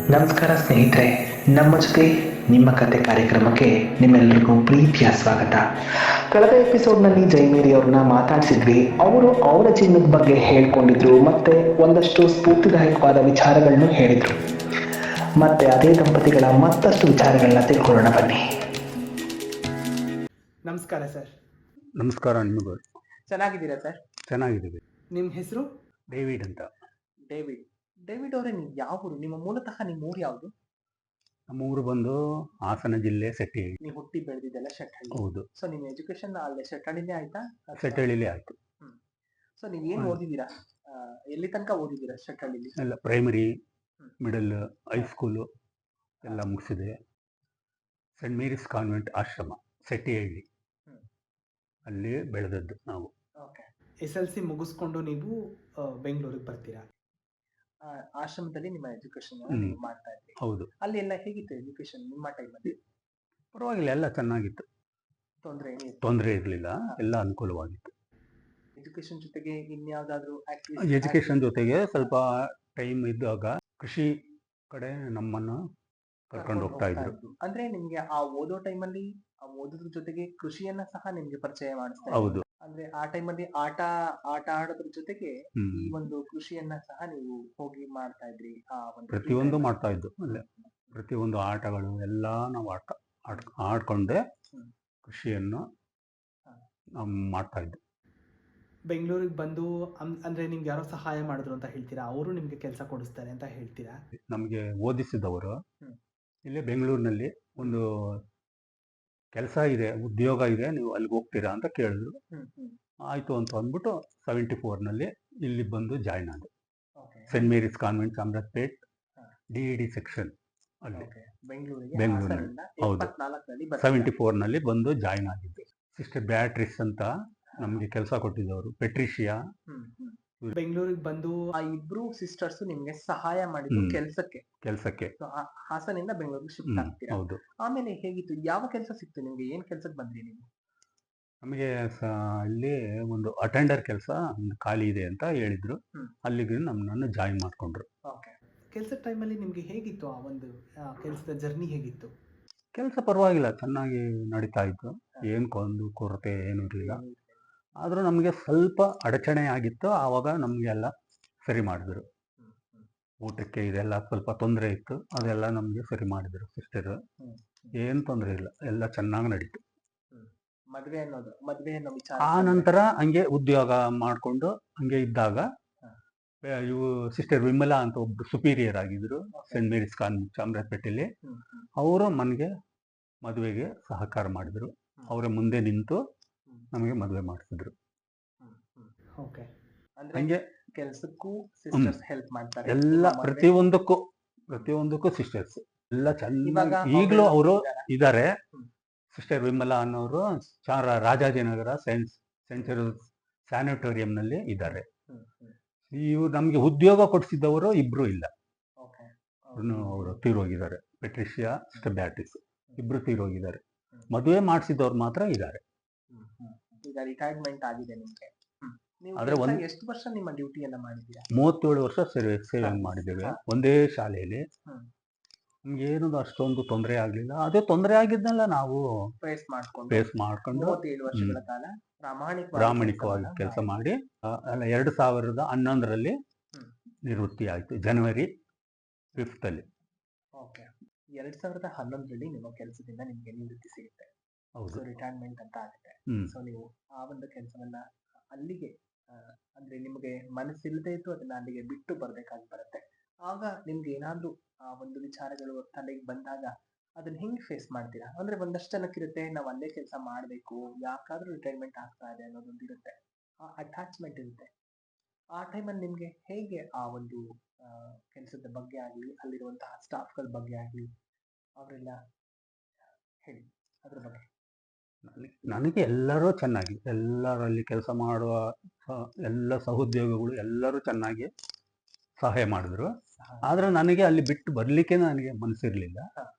ನಮಸ್ಕಾರ ಸ್ನೇಹಿತರೆ, ನಮ್ಮ ಜೊತೆ ನಿಮ್ಮ ಕತೆ ಕಾರ್ಯಕ್ರಮಕ್ಕೆ ನಿಮ್ಮೆಲ್ಲರಿಗೂ ಪ್ರೀತಿಯ ಸ್ವಾಗತ. ಕಳೆದ ಎಪಿಸೋಡ್ನಲ್ಲಿ ಜೈಮೇರಿ ಅವ್ರನ್ನ ಮಾತಾಡಿಸಿದ್ವಿ. ಅವರು ಅವರ ಜೀವನದ ಬಗ್ಗೆ ಹೇಳ್ಕೊಂಡಿದ್ರು, ಮತ್ತೆ ಒಂದಷ್ಟು ಸ್ಫೂರ್ತಿದಾಯಕವಾದ ವಿಚಾರಗಳನ್ನು ಹೇಳಿದ್ರು. ಮತ್ತೆ ಅದೇ ದಂಪತಿಗಳ ಮತ್ತಷ್ಟು ವಿಚಾರಗಳನ್ನ ತಿಳ್ಕೊಳ್ಳೋಣ ಬನ್ನಿ. ನಮಸ್ಕಾರ ಸರ್. ನಮಸ್ಕಾರ. ನಿಮಗೂ ಚೆನ್ನಾಗಿದ್ದೀರಾ ಸರ್? ಚೆನ್ನಾಗಿದ್ದೀವಿ. ನಿಮ್ಮ ಹೆಸರು? ಡೇವಿಡ್ ಅಂತ. ಡೇವಿಡ್ ಅವರೇ, ನೀವು ಯಾವ ಊರು? ನಿಮ್ಮ ಊರು ಯಾವುದು? ನಮ್ಮ ಊರು ಬಂದು ಹಾಸನ ಜಿಲ್ಲೆ ಸೆಟ್ಟಿಹಳ್ಳಿ. ನೀವು ಹುಟ್ಟಿ ಬೆಳೆದಿದ್ದೆಲ್ಲ ಶೆಟ್ಟಹಳ್ಳಿ? ಹೌದು. ಸೊ ನಿಮ್ಮ ಎಜುಕೇಶನ್ ಅಲ್ಲೇ ಶೆಟ್ಟಹಳ್ಳಿನೇ ಆಯ್ತಾ? ಸೆಟ್ಟಿಹಳ್ಳಿಲೇ ಆಯ್ತು. ಸೊ ನೀವು ಏನು ಓದಿದ್ದೀರಾ? ಎಲ್ಲಿ ತನಕ ಓದಿದ್ದೀರಾ ಶೆಟ್ಟಹಳ್ಳಿಲಿ? ಎಲ್ಲ ಪ್ರೈಮರಿ, ಮಿಡಲ್, ಹೈಸ್ಕೂಲು ಎಲ್ಲ ಮುಗಿಸಿದೆ. ಸೆಂಟ್ ಮೇರಿಸ್ ಕಾನ್ವೆಂಟ್ ಆಶ್ರಮ ಸೆಟ್ಟಿಹಳ್ಳಿ, ಅಲ್ಲಿ ಬೆಳೆದದ್ದು ನಾವು. SLC ಮುಗಿಸ್ಕೊಂಡು ನೀವು ಬೆಂಗಳೂರಿಗೆ ಬರ್ತೀರಾ? ಆಶ್ರಮದಲ್ಲಿ ನಿಮ್ಮ ಎಜುಕೇಶನ್ ನೀವು ಮಾಡ್ತಾ ಇದ್ರಿ. ಹೌದು. ಅಲ್ಲಿ ಎಲ್ಲ ಹೇಗಿತ್ತು ಎಜುಕೇಶನ್ ನಿಮ್ಮ ಟೈಮಲ್ಲಿ? ಪರವಾಗಿಲ್ಲ, ಎಲ್ಲ ಚೆನ್ನಾಗಿತ್ತು. ತೊಂದರೆ ಇರಲಿಲ್ಲ, ಎಲ್ಲ ಅನುಕೂಲವಾಗಿತ್ತು. ಎಜುಕೇಶನ್ ಜೊತೆಗೆ ಇನ್ಯಾವುದಾದ್ರೂ ಎಜುಕೇಶನ್ ಜೊತೆಗೆ ಸ್ವಲ್ಪ ಟೈಮ್ ಇದ್ದಾಗ ಕೃಷಿ ಕಡೆ ನಮ್ಮನ್ನು ಕರ್ಕೊಂಡು ಹೋಗ್ತಾ ಇದ್ರು. ಅಂದ್ರೆ ನಿಮ್ಗೆ ಆ ಓದೋ ಟೈಮಲ್ಲಿ ಓದೋದ್ರ ಜೊತೆಗೆ ಕೃಷಿಯನ್ನ ಸಹ ನಿಮ್ಗೆ ಪರಿಚಯ ಮಾಡಿಸ್ತಾರೆ. ಹೌದು. ಅಂದ್ರೆ ಆ ಟೈಮಲ್ಲಿ ಆಟ ಆಡೋದ್ರ ಜೊತೆಗೆ ಈ ಒಂದು ಕೃಷಿಯನ್ನ ಸಹ ನೀವು ಹೋಗಿ ಮಾಡ್ತಾ ಇದ್ರಿ. ಆ ಒಂದು ಪ್ರತಿಯೊಂದು ಮಾಡ್ತಾ ಇದ್ದು ಅಲ್ಲೇ. ಪ್ರತಿಯೊಂದು ಆಟಗಳು ಎಲ್ಲ ನಾವು ಆಡ್ಕೊಂಡೆ ಕೃಷಿಯನ್ನು ನಾವು ಮಾಡ್ತಾ ಇದ್ದು. ಬೆಂಗಳೂರಿಗೆ ಬಂದು ಅಂದ್ರೆ ನಿಮ್ಗೆ ಯಾರೋ ಸಹಾಯ ಮಾಡಿದ್ರು ಅಂತ ಹೇಳ್ತೀರಾ? ಅವರು ನಿಮ್ಗೆ ಕೆಲಸ ಕೊಡಿಸ್ತಾರೆ ಅಂತ ಹೇಳ್ತೀರಾ? ನಮಗೆ ಓದಿಸಿದವರು ಇಲ್ಲೇ ಬೆಂಗಳೂರಿನಲ್ಲಿ ಒಂದು ಕೆಲಸ ಇದೆ, ಉದ್ಯೋಗ ಇದೆ, ನೀವು ಅಲ್ಲಿಗೆ ಹೋಗ್ತೀರಾ ಅಂತ ಕೇಳಿದ್ರು. ಆಯ್ತು ಅಂತ ಅಂದ್ಬಿಟ್ಟು 74ನಲ್ಲಿ ಇಲ್ಲಿ ಬಂದು ಜಾಯ್ನ್ ಆದೆ. Saint Mary's convent Chamarajpet DED section ಅಲ್ಲಿ ಬೆಂಗಳೂರಿನಲ್ಲಿ. ಹೌದು, 74ನಲ್ಲಿ ಬಂದು ಜಾಯ್ನ್ ಆಗಿದ್ದೆ. ಸಿಸ್ಟರ್ ಬ್ಯಾಟ್ರಿಸ್ ಅಂತ ನಮ್ಗೆ ಕೆಲಸ ಕೊಟ್ಟಿದ್ದವರು, ಪೆಟ್ರಿಷಿಯಾ. ಬೆಂಗಳೂರಿಗೆ ಬಂದು ಆ ಇಬ್ರು ಸಿಸ್ಟರ್ಸ್ ನಿಮ್ಗೆ ಸಹಾಯ ಮಾಡಿದ್ರು ಕೆಲಸಕ್ಕೆ ಹಾಸನಿಂದ ಬೆಂಗಳೂರಿಗೆ ಶಿಫ್ಟ್ ಆಗ್ತೀರಾ? ಹೌದು. ಆಮೇಲೆ ಹೇಗಿತ್ತು? ಯಾವ ಕೆಲಸ ಸಿಕ್ತು ನಿಮ್ಗೆ? ಏನ್ ಕೆಲ್ಸಕ್ಕೆ ಬಂದ್ರಿ ನೀವು? ನಮಗೆ ಇಲ್ಲಿ ಒಂದು ಅಟೆಂಡರ್ ಕೆಲಸ ಒಂದು ಖಾಲಿ ಇದೆ ಅಂತ ಹೇಳಿದ್ರು. ಅಲ್ಲಿಗೆ ನಮ್ಮನ್ನು ಜಾಯಿನ್ ಮಾಡ್ಕೊಂಡ್ರು. ಕೆಲಸದ ಟೈಮಲ್ಲಿ ನಿಮ್ಗೆ ಹೇಗಿತ್ತು? ಆ ಒಂದು ಕೆಲಸದ ಜರ್ನಿ ಹೇಗಿತ್ತು? ಕೆಲಸ ಪರವಾಗಿಲ್ಲ, ಚೆನ್ನಾಗಿ ನಡೀತಾ ಇತ್ತು. ಏನು ಕೊರತೆ ಏನೂ ಇರಲಿಲ್ಲ. ಆದರೂ ನಮಗೆ ಸ್ವಲ್ಪ ಅಡಚಣೆ ಆಗಿತ್ತು. ಆವಾಗ ನಮಗೆಲ್ಲ ಸರಿ ಮಾಡಿದ್ರು. ಊಟಕ್ಕೆ ಇದೆಲ್ಲ ಸ್ವಲ್ಪ ತೊಂದರೆ ಇತ್ತು, ಅದೆಲ್ಲ ನಮಗೆ ಸರಿ ಮಾಡಿದ್ರು ಸಿಸ್ಟರ್. ಏನು ತೊಂದರೆ ಇಲ್ಲ, ಎಲ್ಲ ಚೆನ್ನಾಗಿ ನಡೀತು. ಆ ನಂತರ ಹಂಗೆ ಉದ್ಯೋಗ ಮಾಡಿಕೊಂಡು ಹಂಗೆ ಇದ್ದಾಗ ಇವು ಸಿಸ್ಟರ್ ವಿಮಲಾ ಅಂತ ಒಬ್ರು ಸುಪೀರಿಯರ್ ಆಗಿದ್ರು ಸೆಂಟ್ ಮೇರಿಸ್ ಕಾನ್ವೆಂಟ್ ಚಾಮರಾಜಪೇಟೆಯಲ್ಲಿ. ಅವರು ನನಗೆ ಮದುವೆಗೆ ಸಹಕಾರ ಮಾಡಿದ್ರು. ಅವರ ಮುಂದೆ ನಿಂತು ನಮಗೆ ಮದುವೆ ಮಾಡಿಸಿದ್ರು. ಹಂಗೆ ಕೆಲಸಕ್ಕೂ ಹೆಲ್ಪ್ ಮಾಡ್ತಾರೆ. ಎಲ್ಲ ಪ್ರತಿಯೊಂದಕ್ಕೂ ಸಿಸ್ಟರ್ಸ್ ಎಲ್ಲ ಚೆನ್ನಾಗಿ ಈಗಲೂ ಅವರು ಇದ್ದಾರೆ. ಸಿಸ್ಟರ್ ವಿಮಲಾ ಅನ್ನೋರು ರಾಜಾಜಿನಗರ ಸೆಂಚುರಿ ಸ್ಯಾನಿಟೋರಿಯಂನಲ್ಲಿ ಇದ್ದಾರೆ. ಇವ್ರು ನಮಗೆ ಉದ್ಯೋಗ ಕೊಡಿಸಿದ್ದವರು ಇಬ್ರು ಇಲ್ಲ, ಅವರು ತೀರೋಗಿದ್ದಾರೆ. ಪೆಟ್ರಿಷಿಯಾ, ಸಿಸ್ಟರ್ ಬ್ಯಾಟ್ರಿಸ್ ಇಬ್ರು ತೀರೋಗಿದ್ದಾರೆ. ಮದುವೆ ಮಾಡಿಸಿದವ್ರು ಮಾತ್ರ ಇದ್ದಾರೆ. ಈಗ ರಿಟೈರ್ಮೆಂಟ್ ಆಗಿದೆ ನಿಮಗೆ. ಆದ್ರೆ ಎಷ್ಟು ವರ್ಷ ನಿಮ್ಮ ಡ್ಯೂಟಿಯನ್ನ ಮಾಡಿದ್ದೀರಾ? 37 ವರ್ಷ ಸೇವೆ ಮಾಡಿದ್ದೇವೆ ಒಂದೇ ಶಾಲೆಯಲ್ಲಿ. ನಮ್ಗೆ ಏನು ಅಷ್ಟೊಂದು ತೊಂದರೆ ಆಗ್ಲಿಲ್ಲ. ಅದೇ ತೊಂದರೆ ಆಗಿದ್ನೆಲ್ಲ ನಾವು ಫೇಸ್ ಮಾಡ್ಕೊಂಡು 37 ವರ್ಷಗಳ ಕಾಲ ಪ್ರಾಮಾಣಿಕವಾಗಿ ಕೆಲಸ ಮಾಡಿ 2011ರಲ್ಲಿ ನಿವೃತ್ತಿ ಆಯ್ತು, ಜನವರಿ 5ರಲ್ಲಿ. 2011ರಲ್ಲಿ ನಿಮ್ಮ ಕೆಲಸದಿಂದ ನಿಮ್ಗೆ ನಿವೃತ್ತಿ ಸಿಗುತ್ತೆ. ಹೌದು, ರಿಟೈರ್ಮೆಂಟ್ ಅಂತ ಆಗುತ್ತೆ. ಸೊ ನೀವು ಆ ಒಂದು ಕೆಲಸವನ್ನ ಅಲ್ಲಿಗೆ ಅಂದ್ರೆ ನಿಮಗೆ ಮನಸ್ಸಿಲ್ಲದೆ ಇತ್ತು, ಅದನ್ನ ಅಲ್ಲಿಗೆ ಬಿಟ್ಟು ಬರ್ಬೇಕಾಗಿ ಬರುತ್ತೆ. ಆಗ ನಿಮ್ಗೆ ಏನಾದ್ರೂ ಆ ಒಂದು ವಿಚಾರಗಳು ತಲೆಗೆ ಬಂದಾಗ ಅದನ್ನ ಹೆಂಗ್ ಫೇಸ್ ಮಾಡ್ತೀರಾ? ಅಂದ್ರೆ ಒಂದಷ್ಟು ಜನಕ್ಕಿರುತ್ತೆ, ನಾವು ಅಲ್ಲೇ ಕೆಲಸ ಮಾಡ್ಬೇಕು, ಯಾಕಾದ್ರೂ ರಿಟೈರ್ಮೆಂಟ್ ಆಗ್ತಾ ಇದೆ ಅನ್ನೋದೊಂದು ಇರುತ್ತೆ, ಆ ಅಟ್ಯಾಚ್ಮೆಂಟ್ ಇರುತ್ತೆ. ಆ ಟೈಮಲ್ಲಿ ನಿಮ್ಗೆ ಹೇಗೆ ಆ ಒಂದು ಕೆಲಸದ ಬಗ್ಗೆ ಆಗ್ಲಿ, ಅಲ್ಲಿರುವಂತಹ ಸ್ಟಾಫ್ಗಳ ಬಗ್ಗೆ ಆಗ್ಲಿ, ಅವರೆಲ್ಲ ಹೇಳಿ ಅದ್ರ ಬಗ್ಗೆ. ನನಗೆ ಎಲ್ಲರೂ ಚೆನ್ನಾಗಿ, ಎಲ್ಲರಲ್ಲಿ ಕೆಲಸ ಮಾಡುವ ಎಲ್ಲ ಸಹೋದ್ಯೋಗಿಗಳು ಎಲ್ಲರೂ ಚೆನ್ನಾಗಿ ಸಹಾಯ ಮಾಡಿದ್ರು. ಆದ್ರೆ ನನಗೆ ಅಲ್ಲಿ ಬಿಟ್ಟು ಬರ್ಲಿಕ್ಕೆ ನನಗೆ ಮನಸ್ಸಿರ್ಲಿಲ್ಲ.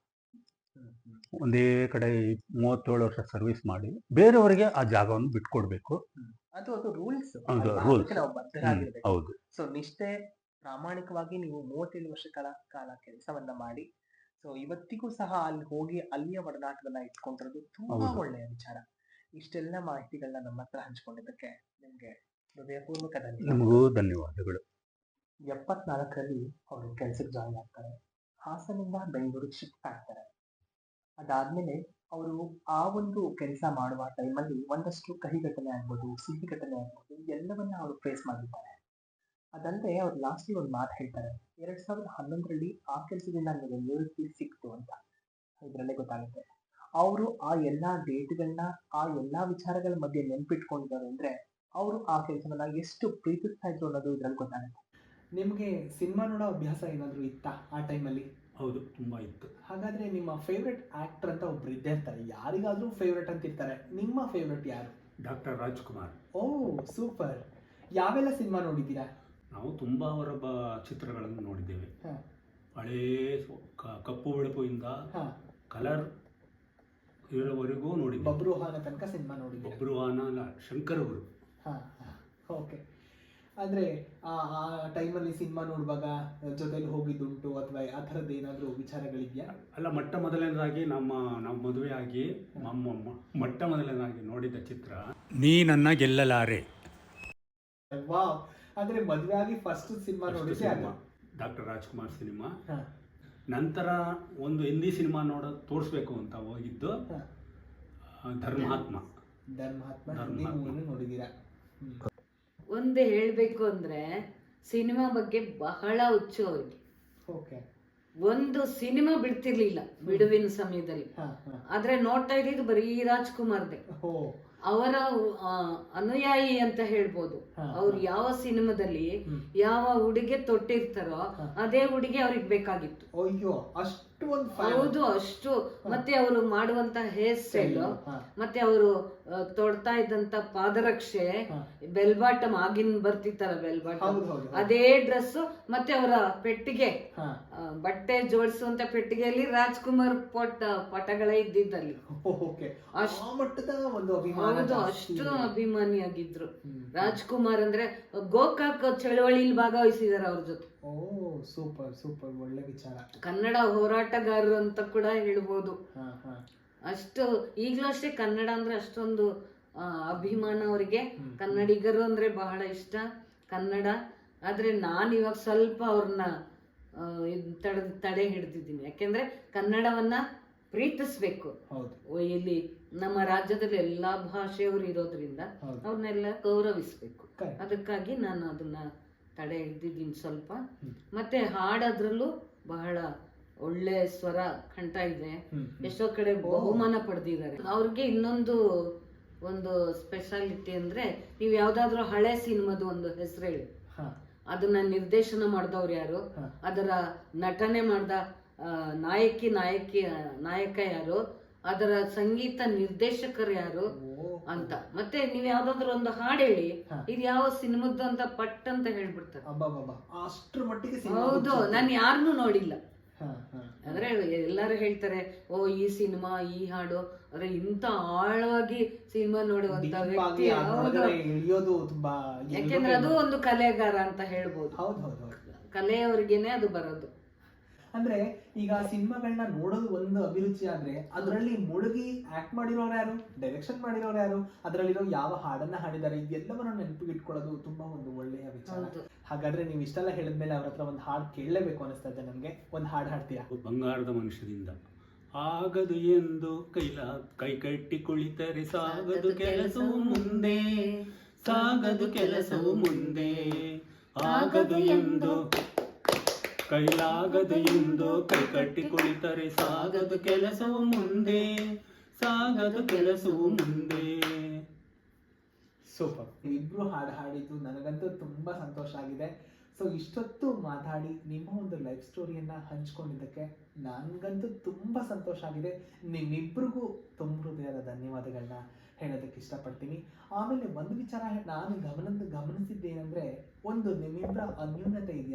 ಒಂದೇ ಕಡೆ 37 ವರ್ಷ ಸರ್ವಿಸ್ ಮಾಡಿ ಬೇರೆಯವರಿಗೆ ಆ ಜಾಗವನ್ನು ಬಿಟ್ಕೊಡ್ಬೇಕು. ಅದು ರೂಲ್ಸ್. ಹೌದು. ಹೌದು. ಸೊ ನಿಷ್ಠೆ ಪ್ರಾಮಾಣಿಕವಾಗಿ ನೀವು 37 ವರ್ಷಗಳ ಕಾಲ ಕೆಲಸವನ್ನ ಮಾಡಿ, ಸೊ ಇವತ್ತಿಗೂ ಸಹ ಅಲ್ಲಿ ಹೋಗಿ ಅಲ್ಲಿಯ ಒಡನಾಟವನ್ನ ಇಟ್ಕೊಂಡಿರೋದು ತುಂಬಾ ಹೌದು. ಒಳ್ಳೆಯ ವಿಚಾರ. ಇಷ್ಟೆಲ್ಲ ಮಾಹಿತಿಗಳನ್ನ ನಮ್ಮ ಹತ್ರ ಹಂಚ್ಕೊಂಡಿದ್ದಕ್ಕೆ ನಿಮ್ಗೆ ಹೃದಯಪೂರ್ವಕ ಧನ್ಯವಾದ. ನಿಮಗೂ ಧನ್ಯವಾದಗಳು. 74ರಲ್ಲಿ ಅವರು ಕೆಲ್ಸಕ್ಕೆ ಜಾಯಿನ್ ಆಗ್ತಾರೆ. ಹಾಸನಿಂದ ಬೆಂಗಳೂರಿಗೆ ಶಿಫ್ಟ್ ಆಗ್ತಾರೆ. ಅದಾದ್ಮೇಲೆ ಅವರು ಆ ಒಂದು ಕೆಲಸ ಮಾಡುವ ಟೈಮಲ್ಲಿ ಒಂದಷ್ಟು ಕಹಿ ಘಟನೆ ಆಗ್ಬೋದು, ಸಿಹಿ ಘಟನೆ ಆಗ್ಬೋದು, ಎಲ್ಲವನ್ನ ಅವರು ಫೇಸ್ ಮಾಡಿದ್ದಾರೆ. ಅದಲ್ಲದೆ ಅವ್ರು ಲಾಸ್ಟಿಗೆ ಒಂದು ಮಾತು ಹೇಳ್ತಾರೆ, 2011ರಲ್ಲಿ ಆ ಕೆಲಸದಿಂದ ನನಗೆ ನಿವೃತ್ತಿ ಸಿಕ್ತು ಅಂತ. ಇದರಲ್ಲೇ ಗೊತ್ತಾಗುತ್ತೆ ಅವರು ಆ ಎಲ್ಲಾ ಡೇಟ್ಗಳನ್ನ, ಆ ಎಲ್ಲಾ ವಿಚಾರಗಳ ಮಧ್ಯೆ ನೆನ್ಪಿಟ್ಕೊಂಡಿದ್ದಾರೆ ಅಂದ್ರೆ ಅವರು ಆ ಕೆಲಸವನ್ನ ಎಷ್ಟು ಪ್ರೀತಿಸ್ತಾ ಇದ್ರು ಅನ್ನೋದು ಇದ್ರಲ್ಲಿ ಗೊತ್ತಾಗುತ್ತೆ. ನಿಮಗೆ ಸಿನಿಮಾ ನೋಡೋ ಅಭ್ಯಾಸ ಏನಾದರೂ ಇತ್ತಾ ಆ ಟೈಮಲ್ಲಿ? ಹೌದು, ತುಂಬಾ ಇತ್ತು. ಹಾಗಾದ್ರೆ ನಿಮ್ಮ ಫೇವ್ರೆಟ್ ಆಕ್ಟರ್ ಅಂತ ಒಬ್ರು ಇದ್ದೇ ಇರ್ತಾರೆ, ಯಾರಿಗಾದ್ರೂ ಫೇವ್ರೆಟ್ ಅಂತ ಇರ್ತಾರೆ. ನಿಮ್ಮ ಫೇವ್ರೆಟ್ ಯಾರು? ಡಾಕ್ಟರ್ ರಾಜ್ಕುಮಾರ್. ಓ ಸೂಪರ್. ಯಾವೆಲ್ಲ ಸಿನಿಮಾ ನೋಡಿದ್ದೀರಾ? ನಾವು ತುಂಬಾ ಅವರ ಚಿತ್ರಗಳನ್ನು ನೋಡಿದ್ದೇವೆ. ಹ. ಹಳೇ ಕಪ್ಪು ಬೆಳಪುಯಿಂದ ಹ. ಕಲರ್ ಇರೋವರೆಗೂ ನೋಡಿದ್ದೇವೆ. ಬಬ್ರುವಾಹನ ತನಕ ಸಿನಿಮಾ ನೋಡಿದ್ದೀರಾ? ಬಬ್ರುವಾಹನ ಅಲ್ಲ, ಶಂಕರಗುರು. ಓಕೆ. ಅಂದ್ರೆ ಆ ಟೈಮಲ್ಲಿ ಸಿನಿಮಾ ನೋಡುವಾಗ ಜೊತೆಲಿ ಹೋಗಿದ್ದುಂಟು ಅಥವಾ ಆ ಥರದ್ದು ಏನಾದರೂ ವಿಚಾರಗಳಿದೆಯಾ? ಅಲ್ಲ, ಮೊಟ್ಟ ಮೊದಲನೇದಾಗಿ ನಾವು ಮದುವೆ ಆಗಿ ಮೊಟ್ಟ ಮೊದಲನೇದಾಗಿ ನೋಡಿದ ಚಿತ್ರ ನೀ ನನ್ನ ಗೆಲ್ಲಲಾರೆ. ವಾವ್. ಅಂದ್ರೆ ಮದುವೆ ಆಗಿ ಫಸ್ಟ್ ಸಿನಿಮಾ ನೋಡಿದ್ದೆ ಅದು? Doctor Rajkumar cinema. ನಂತರ ಒಂದು ಹಿಂದಿ ಸಿನಿಮಾ ತೋರಿಸ್ಬೇಕು ಅಂತ ಹೋಗಿದ್ದು ಧರ್ಮಾತ್ಮ. ನೋಡಿದ್ದೀರಾ? ಒಂದು ಹೇಳಬೇಕು ಅಂದ್ರೆ ಸಿನಿಮಾ ಬಗ್ಗೆ ಬಹಳ ಹುಚ್ಚು ಅವ್ರಿಗೆ. ಓಕೆ. ಒಂದು ಸಿನಿಮಾ ಬಿಡ್ತಿರ್ಲಿಲ್ಲ ಬಿಡುವಿನ ಸಮಯದಲ್ಲಿ. ಆದ್ರೆ ನೋಡ್ತಾ ಇದ್ದಿದ್ದು ಬರೀ ರಾಜ್ಕುಮಾರ್ದೆ. ಅವರ ಅನುಯಾಯಿ ಅಂತ ಹೇಳ್ಬೋದು. ಅವ್ರು ಯಾವ ಸಿನಿಮಾದಲ್ಲಿ ಯಾವ ಹುಡುಗೆ ತೊಟ್ಟಿರ್ತಾರೋ ಅದೇ ಹುಡುಗಿ ಅವ್ರಿಗೆ ಬೇಕಾಗಿತ್ತು. ಹೌದು, ಅಷ್ಟು. ಮತ್ತೆ ಅವರು ಮಾಡುವಂತ ಹೇರ್ ಸ್ಟೈಲ್, ಮತ್ತೆ ಅವರು ತೊಡ್ತಾ ಇದ್ದಂತ ಪಾದರಕ್ಷೆ, ಬೆಲ್ ಬಾಟಮ್, ಆಗಿನ ಬರ್ತಿತ್ತಲ್ಲ ಬೆಲ್ ಬಾಟಮ್, ಅದೇ ಡ್ರೆಸ್, ಮತ್ತೆ ಅವರ ಪೆಟ್ಟಿಗೆ, ಬಟ್ಟೆ ಜೋಡಿಸುವಂತ ಪೆಟ್ಟಿಗೆಯಲ್ಲಿ ರಾಜ್ಕುಮಾರ್ ಪಟಗಳೇ ಇದ್ದಿದ್ದಲ್ಲಿ. ಹೌದು, ಅಷ್ಟು ಅಭಿಮಾನಿಯಾಗಿದ್ರು ರಾಜ್ಕುಮಾರ್. ಅಂದ್ರೆ ಗೋಕಾಕ್ ಚಳವಳಿಯಲ್ಲಿ ಭಾಗವಹಿಸಿದಾರೆ ಅವ್ರ ಜೊತೆ. ಓ ಸೂಪರ್ ಸೂಪರ್, ಒಳ್ಳೆ ವಿಚಾರ. ಕನ್ನಡ ಹೋರಾಟಗಾರರು ಅಂತ ಕೂಡ ಹೇಳ್ಬೋದು. ಅಷ್ಟು ಈಗಲೂ ಅಷ್ಟೇ ಕನ್ನಡ ಅಂದ್ರೆ ಅಷ್ಟೊಂದು ಅಭಿಮಾನ ಅವರಿಗೆ. ಕನ್ನಡಿಗರು ಅಂದ್ರೆ ಬಹಳ ಇಷ್ಟ ಕನ್ನಡ. ಆದ್ರೆ ನಾನು ಇವಾಗ ಸ್ವಲ್ಪ ಅವ್ರನ್ನ ತಡೆ ಹಿಡ್ದಿದ್ದೀನಿ. ಯಾಕೆಂದ್ರೆ ಕನ್ನಡವನ್ನ ಪ್ರೀತಿಸ್ಬೇಕು. ಇಲ್ಲಿ ನಮ್ಮ ರಾಜ್ಯದಲ್ಲಿ ಎಲ್ಲಾ ಭಾಷೆಯವರು ಇರೋದ್ರಿಂದ ಅವ್ರನ್ನೆಲ್ಲ ಗೌರವಿಸ್ಬೇಕು. ಅದಕ್ಕಾಗಿ ನಾನು ಅದನ್ನ ತಡೆ ಹಿಡ್ದಿದ್ದೀನಿ ಸ್ವಲ್ಪ. ಮತ್ತೆ ಹಾಡೋದ್ರಲ್ಲೂ ಬಹಳ ಒಳ್ಳೆ ಸ್ವರ ಕಂಠ ಇದೆ. ಎಷ್ಟೋ ಕಡೆ ಬಹುಮಾನ ಪಡೆದಿದ್ದಾರೆ. ಅವ್ರಿಗೆ ಇನ್ನೊಂದು ಒಂದು ಸ್ಪೆಷಾಲಿಟಿ ಅಂದ್ರೆ, ನೀವು ಯಾವ್ದಾದ್ರು ಹಳೆ ಸಿನಿಮಾದ ಒಂದು ಹೆಸರು ಹೇಳಿ, ಅದನ್ನ ನಿರ್ದೇಶನ ಮಾಡಿದವ್ರು ಯಾರು, ಅದರ ನಟನೆ ಮಾಡ್ದ ನಾಯಕ ಯಾರು, ಅದರ ಸಂಗೀತ ನಿರ್ದೇಶಕರು ಯಾರು ಅಂತ. ಮತ್ತೆ ನೀವ್ ಯಾವ್ದಾದ್ರು ಒಂದು ಹಾಡು ಹೇಳಿ ಇದು ಯಾವ ಸಿನಿಮಾದ್ದು ಅಂತ ಪಟ್ ಅಂತ ಹೇಳ್ಬಿಡ್ತಾರೆ. ಅಷ್ಟ್ರ ಮಟ್ಟಿಗೆ. ಹೌದು, ನಾನು ಯಾರನ್ನೂ ನೋಡಿಲ್ಲ. ಅಂದ್ರೆ ಎಲ್ಲಾರು ಹೇಳ್ತಾರೆ, ಓ ಈ ಸಿನಿಮಾ ಈ ಹಾಡು, ಅಂದ್ರೆ ಇಂತ ಆಳವಾಗಿ ಸಿನಿಮಾ ನೋಡುವಂತ ವ್ಯಕ್ತಿ. ಯಾಕೆಂದ್ರೆ ಅದು ಒಂದು ಕಲೆಗಾರ ಅಂತ ಹೇಳ್ಬೋದು. ಕಲೆಯವ್ರಿಗೇನೆ ಅದು ಬರೋದು. ಅಂದ್ರೆ ಈಗ ಸಿನಿಮಾಗಳನ್ನ ನೋಡೋದು ಒಂದು ಅಭಿರುಚಿ ಆದ್ರೆ, ಅದರಲ್ಲಿ ಮುಳುಗಿ ಆಕ್ಟ್ ಮಾಡಿರೋರು ಯಾರು, ಡೈರೆಕ್ಷನ್ ಮಾಡಿರೋರು ಯಾರು, ಅದರಲ್ಲಿರೋ ಯಾವ ಹಾಡನ್ನ ಹಾಡಿದ್ದಾರೆ, ಇದೆಲ್ಲವನ್ನ ನೆನಪಿಗೆ ಇಟ್ಕೊಳ್ಳೋದು ತುಂಬಾ ಒಂದು ಒಳ್ಳೆಯ ವಿಚಾರ. ಹಾಗಾದ್ರೆ ನೀವು ಇಷ್ಟೆಲ್ಲ ಹೇಳಿದ್ಮೇಲೆ ಅವ್ರ ಹತ್ರ ಒಂದು ಹಾಡು ಕೇಳಲೇಬೇಕು ಅನಿಸ್ತಾ ಇದೆ ನಮ್ಗೆ. ಒಂದು ಹಾಡು ಹಾಡ್ತೀರಾ? ಬಂಗಾರದ ಮನುಷ್ಯದಿಂದ. ಆಗದು ಎಂದು ಕೈ ಕಟ್ಟಿ ಕುಳಿತರೆ ಸಾಗದು ಕೆಲಸವು ಮುಂದೆ, ಸಾಗದು ಕೆಲಸವು ಮುಂದೆ, ಆಗದು ಎಂದು ಕೈಲಾಗದು ಎಂದು ಕೈ ಕಟ್ಟಿ ಕುಳಿತರೆ ಸಾಗದು ಕೆಲಸವು ಮುಂದೆ, ಸಾಗದು ಕೆಲಸವು ಮುಂದೆ. ಸೂಪರ್. ಇಬ್ರು ಹಾಡು ಹಾಡಿದ್ದು ನನಗಂತೂ ತುಂಬಾ ಸಂತೋಷ ಆಗಿದೆ. ಸೊ ಇಷ್ಟೊತ್ತು ಮಾತಾಡಿ ನಿಮ್ಮ ಒಂದು ಲೈಫ್ ಸ್ಟೋರಿಯನ್ನ ಹಂಚ್ಕೊಂಡಿದ್ದಕ್ಕೆ ನನಗಂತೂ ತುಂಬಾ ಸಂತೋಷ ಆಗಿದೆ. ನಿಮ್ಮಿಬ್ರಿಗೂ ತುಂಬ ಹೃದಯದ ಧನ್ಯವಾದಗಳನ್ನ ಹೇಳೋದಕ್ಕೆ ಇಷ್ಟಪಡ್ತೀನಿ. ಆಮೇಲೆ ಒಂದು ವಿಚಾರ ನಾನು ಗಮನಿಸಿದ್ದೇನೆಂದ್ರೆ, ಒಂದು ನಿಮ್ಮಿಬ್ಬರ ಅನ್ಯೂನ್ಯತೆ ಇದೆಯಲ್ಲ,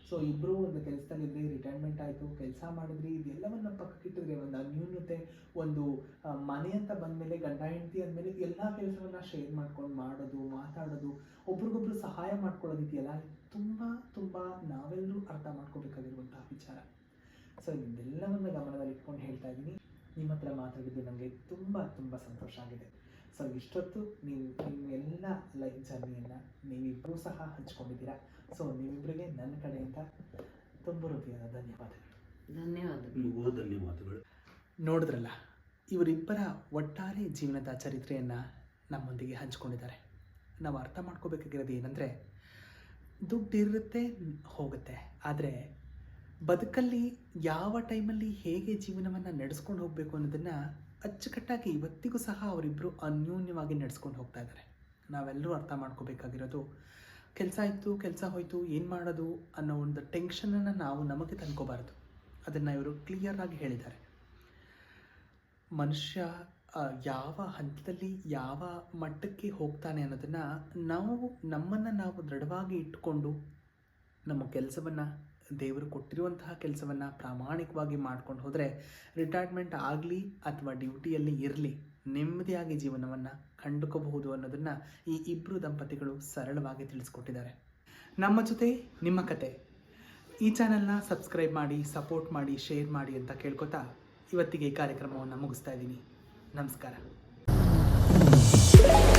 ಸೊ ಇಬ್ಬರು ಒಂದು ಕೆಲಸದಲ್ಲಿದ್ರಿ, ರಿಟೈರ್ಮೆಂಟ್ ಆಯಿತು, ಕೆಲಸ ಮಾಡಿದ್ರಿ, ಇದೆಲ್ಲವನ್ನ ಪಕ್ಕಕ್ಕಿಟ್ಟಿದ್ರೆ ಒಂದು ಅನ್ಯೂನ್ಯತೆ, ಒಂದು ಮನೆ ಅಂತ ಬಂದಮೇಲೆ ಗಂಡ ಹೆಂಡತಿ ಅಂದಮೇಲೆ ಎಲ್ಲ ಕೆಲಸವನ್ನ ಶೇರ್ ಮಾಡ್ಕೊಂಡು ಮಾಡೋದು, ಮಾತಾಡೋದು, ಒಬ್ರಿಗೊಬ್ರು ಸಹಾಯ ಮಾಡ್ಕೊಳ್ಳೋದಿದೆಯಲ್ಲ, ತುಂಬ ತುಂಬ ನಾವೆಲ್ಲರೂ ಅರ್ಥ ಮಾಡ್ಕೋಬೇಕಾಗಿರುವಂತಹ ವಿಚಾರ. ಸೊ ಇದೆಲ್ಲವನ್ನ ಗಮನದಲ್ಲಿ ಇಟ್ಕೊಂಡು ಹೇಳ್ತಾ ಇದ್ದೀನಿ. ನಿಮ್ಮ ಹತ್ರ ಮಾತಾಡಿದ್ದು ನನಗೆ ತುಂಬ ತುಂಬ ಸಂತೋಷ ಆಗಿದೆ. ಸೊ ಇಷ್ಟೊತ್ತು ನೀವು ನಿಮ್ಮೆಲ್ಲ ಲೈಫ್ ಜರ್ನಿಯನ್ನು ನೀವಿಬ್ಬರೂ ಸಹ ಹಂಚ್ಕೊಂಡಿದ್ದೀರಾ. ಸೊ ನೀವಿಬ್ಬರಿಗೆ ನನ್ನ ಕಡೆಯಿಂದ ತುಂಬ ಹೃದಯದ ಧನ್ಯವಾದಗಳು. ಧನ್ಯವಾದಗಳು. ನೋಡಿದ್ರಲ್ಲ, ಇವರಿಬ್ಬರ ಒಟ್ಟಾರೆ ಜೀವನದ ಚರಿತ್ರೆಯನ್ನು ನಮ್ಮೊಂದಿಗೆ ಹಂಚ್ಕೊಂಡಿದ್ದಾರೆ. ನಾವು ಅರ್ಥ ಮಾಡ್ಕೋಬೇಕಾಗಿರೋದು ಏನಂದರೆ, ದುಡ್ಡಿರುತ್ತೆ ಹೋಗುತ್ತೆ, ಆದರೆ ಬದುಕಲ್ಲಿ ಯಾವ ಟೈಮಲ್ಲಿ ಹೇಗೆ ಜೀವನವನ್ನು ನಡೆಸ್ಕೊಂಡು ಹೋಗಬೇಕು ಅನ್ನೋದನ್ನು ಅಚ್ಚುಕಟ್ಟಾಗಿ ಇವತ್ತಿಗೂ ಸಹ ಅವರಿಬ್ಬರು ಅನ್ಯೋನ್ಯವಾಗಿ ನಡೆಸ್ಕೊಂಡು ಹೋಗ್ತಾ ಇದ್ದಾರೆ. ನಾವೆಲ್ಲರೂ ಅರ್ಥ ಮಾಡ್ಕೋಬೇಕಾಗಿರೋದು, ಕೆಲಸ ಇತ್ತು, ಕೆಲಸ ಹೋಯಿತು, ಏನು ಮಾಡೋದು ಅನ್ನೋ ಒಂದು ಟೆನ್ಷನನ್ನು ನಾವು ನಮಗೆ ತಂದ್ಕೋಬಾರ್ದು. ಅದನ್ನು ಇವರು ಕ್ಲಿಯರಾಗಿ ಹೇಳಿದ್ದಾರೆ. ಮನುಷ್ಯ ಯಾವ ಹಂತದಲ್ಲಿ ಯಾವ ಮಟ್ಟಕ್ಕೆ ಹೋಗ್ತಾನೆ ಅನ್ನೋದನ್ನು ನಮ್ಮನ್ನು ನಾವು ದೃಢವಾಗಿ ಇಟ್ಟುಕೊಂಡು ನಮ್ಮ ಕೆಲಸವನ್ನು, ದೇವರು ಕೊಟ್ಟಿರುವಂತಹ ಕೆಲಸವನ್ನು ಪ್ರಾಮಾಣಿಕವಾಗಿ ಮಾಡ್ಕೊಂಡು ಹೋದರೆ, ರಿಟೈರ್ಮೆಂಟ್ ಆಗಲಿ ಅಥವಾ ಡ್ಯೂಟಿಯಲ್ಲಿ ಇರಲಿ, ನೆಮ್ಮದಿಯಾಗಿ ಜೀವನವನ್ನು ಕಂಡುಕೋಬಹುದು ಅನ್ನೋದನ್ನು ಈ ಇಬ್ಬರು ದಂಪತಿಗಳು ಸರಳವಾಗಿ ತಿಳಿಸ್ಕೊಟ್ಟಿದ್ದಾರೆ. ನಮ್ಮ ಜೊತೆ ನಿಮ್ಮ ಕತೆ. ಈ ಚಾನಲ್ನ ಸಬ್ಸ್ಕ್ರೈಬ್ ಮಾಡಿ, ಸಪೋರ್ಟ್ ಮಾಡಿ, ಶೇರ್ ಮಾಡಿ ಅಂತ ಕೇಳ್ಕೊತಾ ಇವತ್ತಿಗೆ ಈ ಕಾರ್ಯಕ್ರಮವನ್ನು ಮುಗಿಸ್ತಾ ಇದ್ದೀನಿ. ನಮಸ್ಕಾರ.